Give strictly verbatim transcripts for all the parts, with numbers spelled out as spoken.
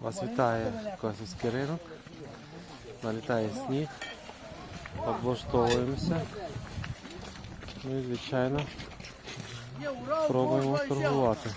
Вас вітає Косівський ринок. Налітає сніг. Облаштовуємося. Ну і, звичайно, пробуємо торгувати.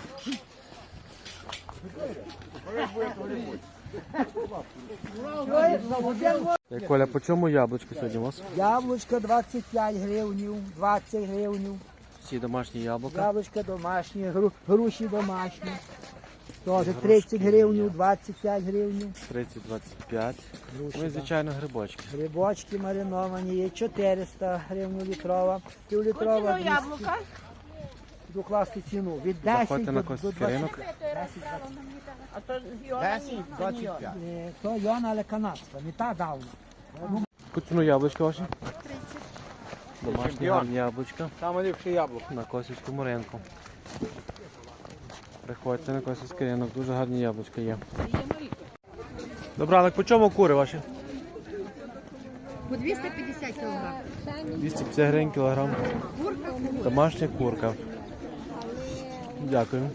Е, Коля, по чому яблучко сьогодні у вас? Яблучко двадцять п'ять гривнів, двадцять гривнів. Всі домашні яблука. Яблучко домашні, гру- груші домашні. Теж тридцять гривнів, двадцять п'ять гривнів. тридцять двадцять п'ять. Груші, Ну і, звичайно, грибочки. Грибочки мариновані є чотириста гривень літрова, півлітрова двісті. Яблука. Докласти ціну від десять Заходьте до, на до Косівський ринок. А то зйомані. двадцять п'ять. Е, То Йона, але канадська, не та давна. По ціну яблучка ваші? Домашні гарні яблучка Саме ліпше яблуко. на Косівському ринку. Приходьте на Косівський ринок, дуже гарні яблучка є. Добре, але по чому кури ваші? По двісті п'ятдесят кілограм. двісті п'ятдесят гривень кілограм. Домашня курка. Дякую.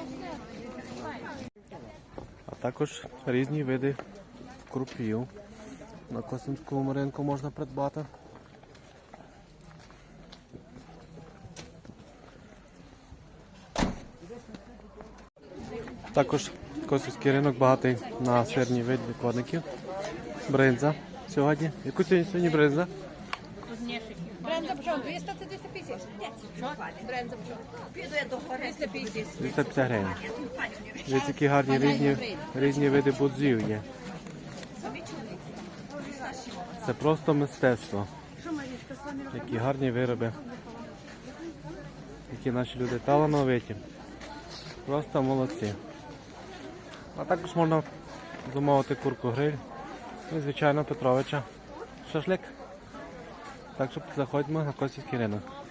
А також різні види крупів. На Косівському ринку можна придбати. Також Косівський ринок багатий на сирні види відкладників. Бринза сьогодні. Яку сьогодні сьогодні бринза? Бренза почав двісті, це двісті п'ятдесят. Що? Бренза почав. Піде до двісті п'ятдесят. двісті п'ятдесят гривень. Дивіться, які гарні різні, різні види будзів є. Це просто мистецтво. Які гарні вироби. Які наші люди талановиті. Просто молодці. А також можна замовити курку гриль. І, звичайно, Петровича шашлик. Так що заходьмо на Косівський ринок.